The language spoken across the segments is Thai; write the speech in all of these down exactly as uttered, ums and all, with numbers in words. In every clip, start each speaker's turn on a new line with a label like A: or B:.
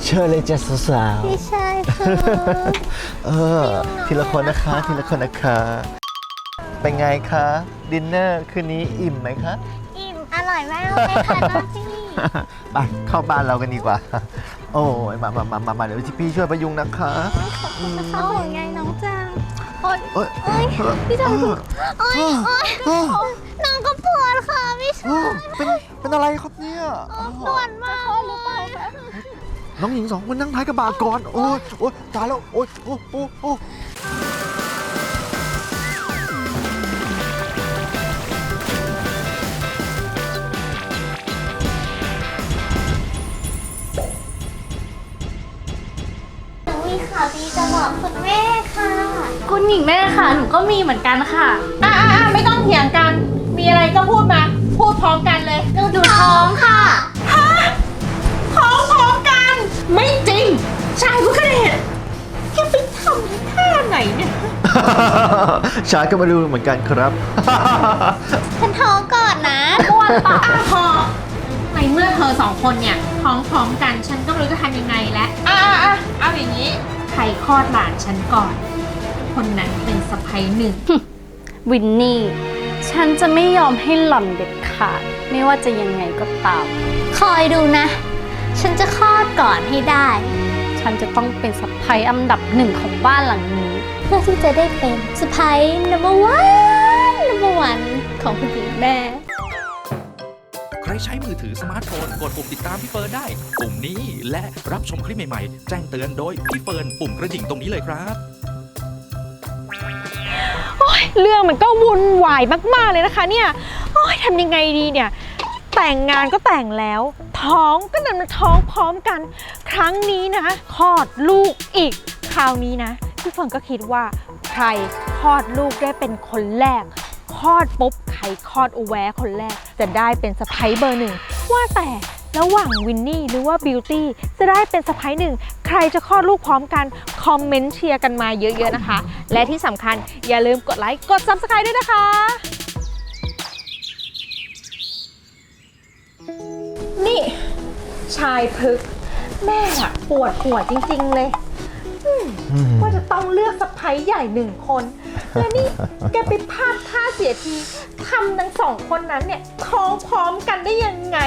A: เชิญเลยจ้ะสาว
B: พี่ชายคือ
A: ๆเออทีละคนนะคะทีละคนนะคะเป็นไงคะดินเนอร์คืนนี้อิ่มไหมคะ
B: อิ่มอร่อยมากเลยค่ะน้องพี่
A: ไปเข้าบ้านเรากันดีกว่า โอ้ยมามามามามาเดี๋ยวพี่ช่วยประยุงนะคะ
B: ขอบคุณนะคะห่วงใยน้องจังโอ๊ย
A: โอ้ย
B: โอ๊ยพี่ชายคือโอ๊ยโอ๊ยน้องก็ปวดค่ะพี่ชาย
A: เป็นเป็นอะไรครับเนี่ย
B: ปวดมากหรือเปล่าคะ
A: น้องหญิงสองคนนั่งท้ายกระบะก่อนโอ้ยโอ้ยตายแล้วโอ้ยโอ้โอ้โอ้
B: หนูมีข่าวดีจะบอกคุณแม่ค่ะ
C: คุณหญิงแม่ค่ะหนูก็มีเหมือนกันค่ะ
D: อ่าไม่ต้องเถียงกัน มีอะไรก็พูดมา พูดพร้อมกันเลย
B: หนูดูท้องค่ะ
D: ท้องพร้อมกัน ไม่จริง ชายผู้กระเดชแกไปทำท่าไหนเนี่ย
A: ชายก็มาดูเหมือนกันครับ
B: ฉันท้องก่อนนะ
D: บ้วนปากอ่ะพอในเมื่อเธอสองคนเนี่ยท้องพร้อมกัน ฉันก็ไม่รู้จะทำยังไงแล้วอ่ะอ่ะอ่ะเอาอย่างนี้ ใครคลอดหลานฉันก่อน คนนั้นเป็นสะใภ้หนึ่ง
C: วินนี่ ฉันจะไม่ยอมให้หล่อนเด็ดขาด ไม่ว่าจะยังไงก็ตาม
B: คอยดูนะ ฉันจะคลอดก่อนให้ได้
C: ฉันจะต้องเป็นสะใภ้อันดับหนึ่งของบ้านหลังนี้
B: เพื่อที่จะได้เป็นสะพ้าย number one number one ของคุณหญิงแม่
E: ใครใช้มือถือสมาร์ทโฟนกดปุ่มติดตามพี่เฟิร์นได้ ปุ่มนี้และรับชมคลิปใหม่ๆ แจ้งเตือนโดยพี่เฟิร์นปุ่มกระดิ่งตรงนี้เลยครับ
D: เรื่องมันก็วุ่นวายมากๆเลยนะคะเนี่ยโอ้ยทำยังไงดีเนี่ย แต่งงานก็แต่งแล้ว ท้องก็ดันมาท้องพร้อมกัน ครั้งนี้นะคลอดลูกอีก คราวนี้นะพี่เฟิร์นก็คิดว่าใครคลอดลูกได้เป็นคนแรก คลอดปุ๊บใครคลอดอุแวะคนแรก จะได้เป็นสะใภ้เบอร์หนึ่ง ว่าแต่ระหว่างวินนี่หรือว่าบิวตี้จะได้เป็นสะใภ้หนึ่ง ใครจะคลอดลูกพร้อมกัน คอมเมนต์เชียร์กันมาเยอะๆนะคะ และที่สำคัญอย่าลืมกดไลค์ กด ซับสไครบ์ ด้วยนะคะ นี่ ชายพึกษ์แม่อะปวดหัวจริงๆเลยอืมว่าจะต้องเลือกสะใภ้ใหญ่หนึ่งคน แล้วนี่แกไปพลาดท่าเสียทีทำทั้งสองคนนั้นเนี่ยท้องพร้อมกันได้ยังไง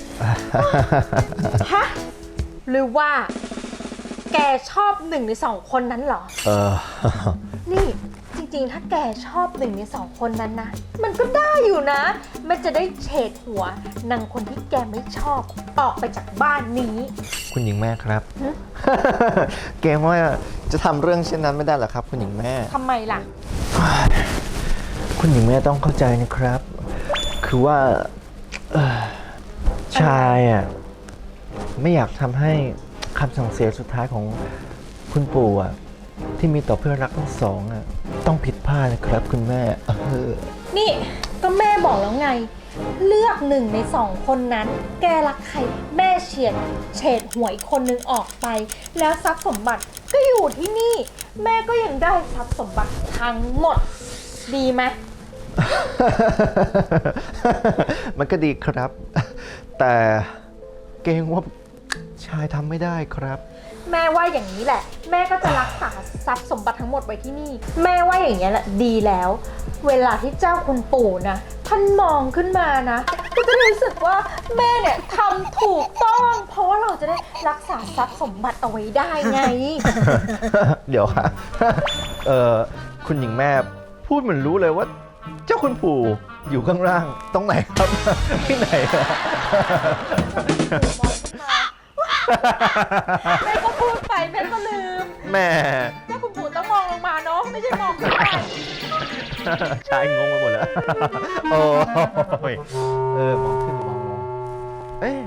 D: ฮะ หรือว่า แกชอบหนึ่งในสองคนนั้นเหรอ
A: เออ
D: นี่จริงๆ ถ้าแกชอบหนึ่งในสองคนนั้นนะ มันก็ได้อยู่นะ มันจะได้เฉดหัวนางคนที่แกไม่ชอบออกไปจากบ้านนี้
A: คุณหญิงแม่ครับ เกรงว่าจะทำเรื่องเช่นนั้นไม่ได้หรอครับ คุณหญิงแม่
D: ทำไมล่ะ
A: คุณหญิงแม่ต้องเข้าใจนะครับ คือว่าเอ่อชายอ่ะไม่อยากทำให้คำสั่งเสียสุดท้ายของคุณปู่อ่ะที่มีต่อเพื่อนรักทั้งสองอ่ะต้องผิดพลาดนะครับ คุณแม่เออ
D: นี่ก็แม่บอกแล้วไง เลือกหนึ่งในสองคนนั้น แกรักใครแม่เฉียดเฉดหัวอีกคนนึงออกไป แล้วทรัพย์สมบัติก็อยู่ที่นี่ แม่ก็ยังได้ทรัพย์สมบัติทั้งหมด ดีไหม
A: มันก็ดีครับ แต่เกรงว่าชายทำไม่ได้ครับ
D: แม่ว่าอย่างนี้แหละ แม่ก็จะรักษาทรัพย์สมบัติทั้งหมดไว้ที่นี่ แม่ว่าอย่างนี้ยแหละดีแล้ว เวลาที่เจ้าคุณปู่นะท่านมองขึ้นมานะ ก็จะรู้สึกว่าแม่เนี่ยทำถูกต้อง เพราะว่าเราจะได้รักษาทรัพย์สมบัติเอาไว้ได้ไง
A: เดี๋ยวค่ะ เอ่อคุณหญิงแม่พูดเหมือนรู้เลยว่า เจ้าคุณปู่อยู่ข้างล่างตรงไหนครับ ที่ไหนอะ
D: แม่ก็พูดไปแม่ก็ลืม
A: แม่
D: เจ้าคุณปู่ต้องมองลงมาเนาะไม่ใช่มองขึ้นไป
A: ชายงงไปหมดแล้ว โอ้ยเออมองขึ้นมองลงเอ๊ะ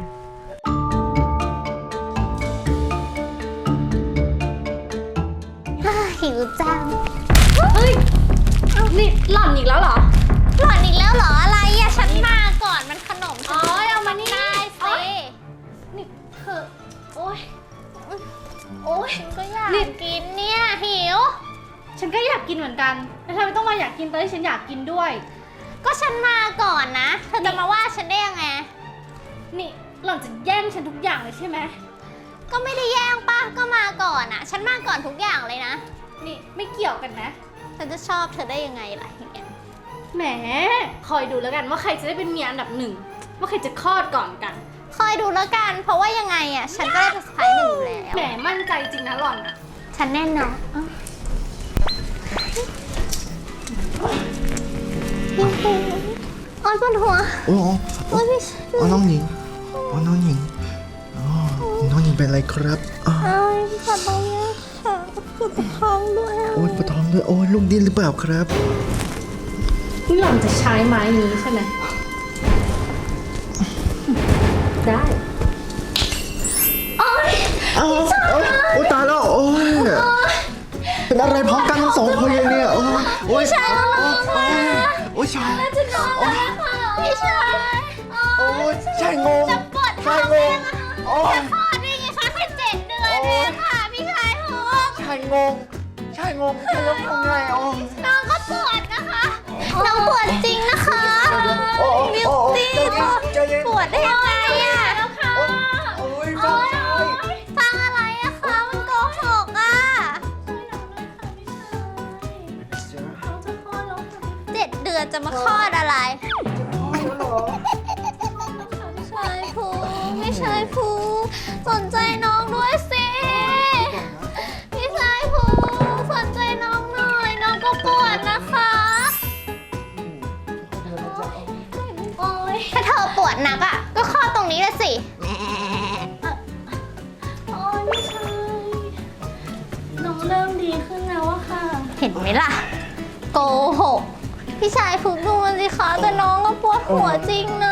B: หิวจัง
C: เฮ้ย นี่หล่อนอีกแล้วเหรอ
B: หล่อนอีกแล้วเหรออะไรอะฉันมาก่อนมันขนมฉัน
C: อ๋อเอามานี่
B: ได้
C: โอ๊
B: สิ
C: ย นี่เธอโอ๊ย
B: โอ้ยฉันก็อยากกินเนี่ยหิว
C: ฉันก็อยากกินเหมือนกันแต่ทำไมต้องมาอยากกินตอนที่ฉันอยากกินด้วย
B: ก็ฉันมาก่อนนะ เธอจะมาว่าฉันได้ยังไง
C: นี่หล่อนจะแย่งฉันทุกอย่างเลยใช่ไหม
B: ก็ไม่ได้แย่งปะก็มาก่อนอะฉันมาก่อนทุกอย่างเลยนะ
C: นี่ไม่เกี่ยวกันนะ
B: ฉันจะชอบเธอได้ยังไงล่ะอย่างเงี้ย
C: แหม คอยดูแล้วกันว่าใครจะได้เป็นเมียอันดับหนึ่ง ว่าใครจะคลอดก่อนกัน
B: คอยดูแล้วกัน เพราะว่ายังไงอะฉันก็ได้เป็นสไปหนึ่งอยู่แล้ว
C: แหมมั่นใจจริงนะหล่อนอะ
B: ฉันแน่นอนอ้าวอ้อนปวดหัว
A: โอ้โห
B: โอ้ยพี่
A: โอ้น้องหญิงโอ้น้องหญิงอ๋อน้องหญิงเป็นอะไรครับอ้าว
B: เอ้ยปวดตรงนี้ค่ะปวดท้องด้วยอะ
A: โอ้ยปวดท้องด้วยโอ้ยลูกดิ้นหรือเปล่าครับ
C: นี่หล่อนจะใช้ไม้นี้ใช่ไหม ได้
A: อ้าวโอ้ยโอ้ยตายแล้วโอ้ยเป็นอะไรพร้อมกันทั้งสองคนเลยเนี่ยโอ้ยโอ้ยโอ้ยโอ้ยชาย
B: จะนอนแล้วค่ะพี่ชาย
A: โอ้ยชายงง
B: จะปวดท้
A: ชา
B: อย ง
A: ง
B: เอง
A: ง
B: อะ
A: โอ้ย
B: จะคลอดได้ไงคะแค่เจ็ดเดือนเองค่ะพี่ชายทุก
A: ชายงงชายงงชายงงยังไงโอ้ย
B: น้องก็ปวดนะคะน้องปวดจริงนะคะ
A: โอ้ย
B: บิว
A: โอ้ย
B: ตี้
A: ใจเย็น
B: ปวดได้ยังไงอะแล้วค่ะ
A: โอ้ยฟังชาย
B: ฟังอะไรอะคะมันโกหกอะเจ็ดเดือนจะมาคลอดอะไรไม่ใช่ภูไม่ใช่ภูสนใจน้องด้วยสิไม่ใช่ภูสนใจน้องหน่อยน้องก็ปวดนะคะโอ๊ยถ้าเธอปวดหนักอะก็คลอดตรงนี้เลยสิโอ๊ยไม่ใช่
C: น้องเริ่มดีขึ้นแล้วอะค่ะ
B: เห็นไหมล่ะ โกหก พี่ชายฝึกดูมันสิคะแต่น้องก็ปวดหัวจริงนะ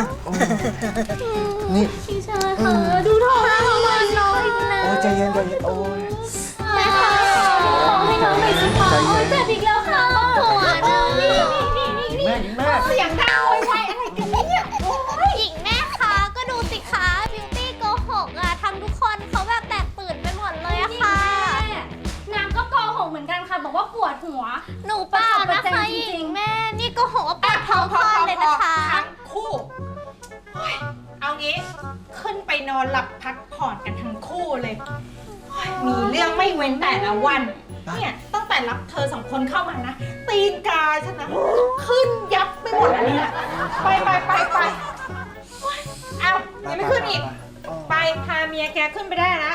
A: นี่
B: พี่ชายคะดูท้องให้น้องหน่อยน้อยนะ
A: โอ้ยใจเย็นใจเย็นโอ้ย
B: แม่คะท้องให้น้องหน่อยสิคะ
A: ใจเย็น
B: โอ๊ยเจ็บอีกแล้วค่ะปวดนะนี่นี่นี่นี่
A: แม่แม่
B: เสียงดังโวยวายอะไรกันเนี่ยโอ้ยหญิงแม่คะก็ดูสิคะบิวตี้โกหกอะทำทุกคนเขาแบบแตกตื่นไปหมดเลยอะค่ะ
C: นางก็โกหกเหมือนกันค่ะ บอกว่าปวดหัว
B: หนูเปล่านะคะหญิงแม่นี่โก็หกว่าปวดท้องคลอดเลยนะคะ
D: ทั้งคู่เฮ้ยเอางี้ขึ้นไปนอนหลับพักผ่อนกันทั้งคู่เลยเฮ้ยมีเรื่องไม่เว้นแต่ละวัน เนี่ยตั้งแต่รับเธอสองคนเข้ามานะ ตีนกาฉันนะขึ้นยับไปหมดแล้วเนี่ยไปไปไปไปเฮ้ยเอายังไม่ขึ้นอีก ไปพาเมียแกขึ้นไปได้ละ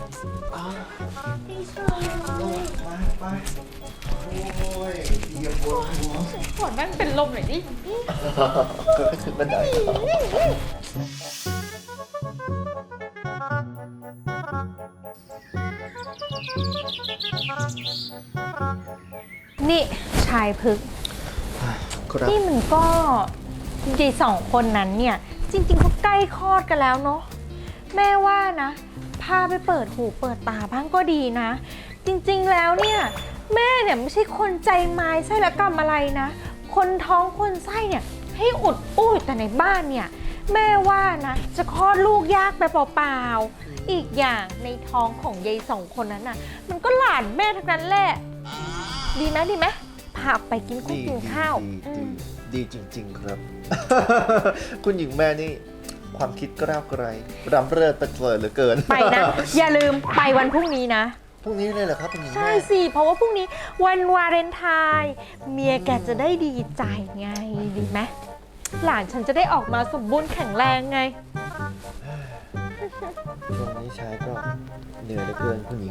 A: ไปโอ้ยเยี่ยมปวดหัว
D: ปวดแม่งเป็นลมเลยดิ
A: ก็ขึ้นบันได
D: นี่ชายพึก
A: ครับ
D: นี่มันก็ยายสองคนนั้นเนี่ย จริงๆเขาใกล้คลอดกันแล้วเนาะแม่ว่านะ พาไปเปิดหูเปิดตาบ้างก็ดีนะ จริงๆแล้วเนี่ยแม่เนี่ยไม่ใช่คนใจไม้ไส้ละกรรมอะไรนะ คนท้องคนไส้เนี่ยให้อุดอู้แต่ในบ้านเนี่ยแม่ว่านะจะคลอดลูกยากไปเปล่าๆอีกอย่างในท้องของยายสองคนนั้นน่ะมันก็หลานแม่ทั้งนั้นแหละดีไหมดีไหมพาออกไปกินข้าวกินข้าว
A: ดี
D: อื
A: ดี
D: ม
A: ดีจริง ๆ ครับ คุณหญิงแม่นี่ ความคิดกล้าวไกลรำเริดประเสริฐเหลือเกิน
D: ไปนะ อย่าลืมไปวันพรุ่งนี้นะ
A: พรุ่งนี้เลยเหรอครับคุณหญิง
D: ใช่
A: แม่
D: สิ เพราะว่าพรุ่งนี้วันวาเลนไทน์เมียแกจะได้ดีใจไงดีไหมหลานฉันจะได้ออกมาสมบูรณ์แข็งแรงไง
A: ช่วงนี้ชายก็เหนื่อยเหลือเกินคุณหญิง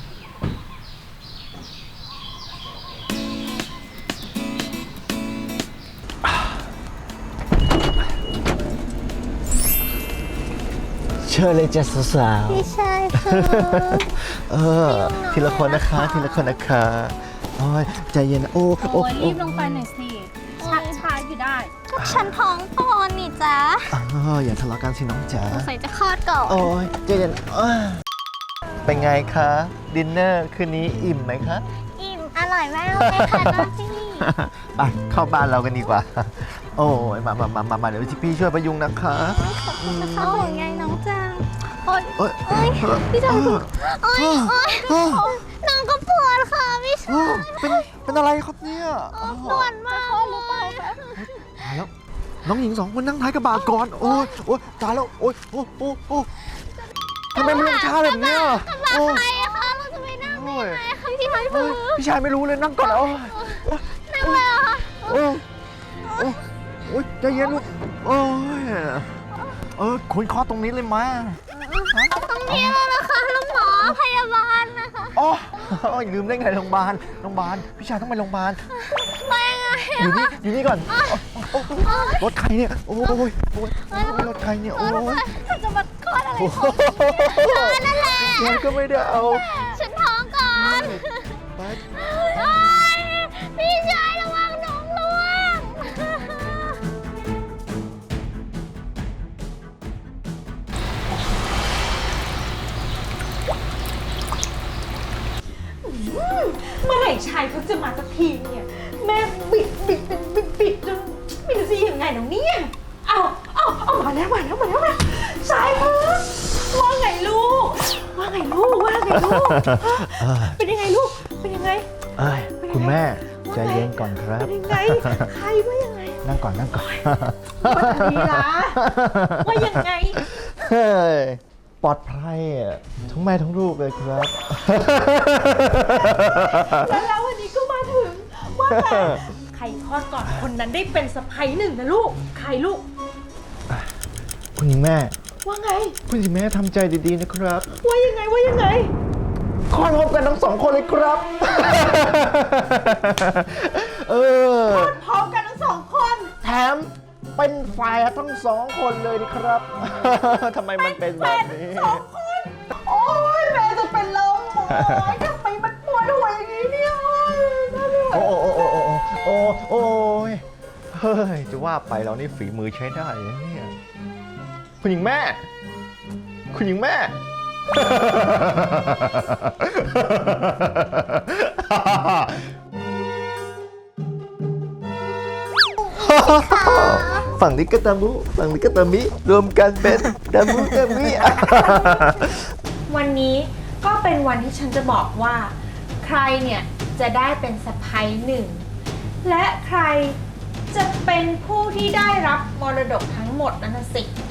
A: เชิญเลยจ้ะสาว
B: พี่ชายค่ะ
A: ๆเออ ทีละคนนะคะ ทีละคนนะคะโอ้ยใจเย็นนะโอ้
C: โอ้ย
A: โอ้
C: รีบลงไปหน่อยสิชักช้าอยู่ได้
B: ก็ฉันท้องพอนนี่จ๊ะ
A: เอออย่าทะเลาะกันสิน้องจ๋า
B: ใส่จะคลอดก่อน
A: โอ้ยใจเย็นอ้าเป็นไงคะ ดินเนอร์คืนนี้อิ่มไหมคะ
B: อิ่มอร่อยมากเลยค่ะน้องพี่
A: ไปเข้าบ้านเรากันดีกว่า โอ้ยมามามามามาเดี๋ยวพี่ช่วยประยุงนะคะ
B: เขาห่วงใยน้องจังโอ๊ย
A: โอ้ย
B: โอ๊ยพี่ชายโอ๊ยโอ๊ยน้องก็ปวดค่ะพี่ชาย
A: เป็นเป็นอะไรครับเนี่ย
B: ปวดมากเลย
A: ตายแล้วน้องหญิงสองคนนั่งท้ายกระบะก่อนโอ้ยโอ้ยตายแล้วโอ้ยโอ้โอ้โอ้ทำไมมันลงช้าแบบเนี้ย
B: กระบะ
A: โอ้
B: ใครอะคะเราจะไปนั่งได้ไงคะพี่ชาย
A: เฮ้
B: ภู
A: ยพี่ชายไม่รู้เลยนั่งก่อนโอ้ย
B: นั่งเลยเหรอคะ
A: โอ้ยโอ้ยโอ้ยใจเย็นลูกโอ้ยเออคุณเคอตรงนี้เลยมา
B: ตรงนี้แล้วนะคะแล้วหมอพยาบาลนะคะ
A: อ๋อโอ้ยลืมได้ไงโรงพยาบาลโรงพยาบาลพี่ชายต้องไปโรงพยาบาล
B: ไปยังไง
A: อยู่นี่อยู่นี่ก่อนโอ้โอ้รถใครเนี่ยโอ้ยโอ้ยโอ้ยรถใครเนี่ยโอ้ย
B: ถ้าจะมาคลอดอะไร
A: โอ้
B: ของเธอนั่นแหละ
A: ยก็ไม่ได้เอา
B: ฉันท้องก่อน
A: ไป
B: โอ๊ยพี่ชายระวังน้องล่วง
D: เมื่อไหร่ชายเขาจะมาสักทีเนี่ย แม่บิดบิดบิดบิดบิดจนไม่รู้จะยังไงหนูเนี่ยเอาเอาเอามาแล้วมาแล้วมาแล้วมาชายคะว่าไงลูก ว่าไงลูกว่าไงลูกฮะเป็นยังไงลูกเป็นยังไง
A: เอ้ยคุณแม่ใจเย็นก่อนครับ
D: เป็นยังไงใครว่ายังไง
A: นั่งก่อนนั่งก่อน
D: ว่าดีละว่ายังไง
A: เฮ้ยปลอดภัยอ่ะทั้งแม่ทั้งลูกเลยครับ
D: แล้วแล้ววันนี้ก็มาถึงว่าไงใครคลอดก่อนคนนั้นได้เป็นสะใภ้หนึ่งนะลูกใครลูก
A: คุณหญิงแม่
D: ว่าไง
A: คุณหญิงแม่ทำใจดีๆนะครับ
D: ว่ายังไงว่ายังไง
A: คลอดพร้อมกันทั้งสองคนเลยครับ เออ
D: พร้อมกันทั้งสองคน
A: แถมเป็นแฝดทั้งสองคนเลยนะครับ ทำไมมันเป็นแบบนี้
D: สองคน โอ้ยแม่จะเป็นลมโอ้ยทำไมมันปวดหัวอย่างนี้เนี่ยน่าไม่ไหว
A: โอ้โอ้โอ้โอ้โอ้โอ้ยเฮ้ย จะว่าไปเรานี่ฝีมือใช้ได้นะเนี่ย คุณหญิงแม่ คุณหญิงแม่ ฝั่งนี้ก็ตามุฝั่งนี้ก็ตามิ รวมกันเป็นตามุตามิ
D: วันนี้ก็เป็นวันที่ฉันจะบอกว่า ใครเนี่ยจะได้เป็นสะใภ้หนึ่ง และใครจะเป็นผู้ที่ได้รับมรดกทั้งหมดนั่นนะสิ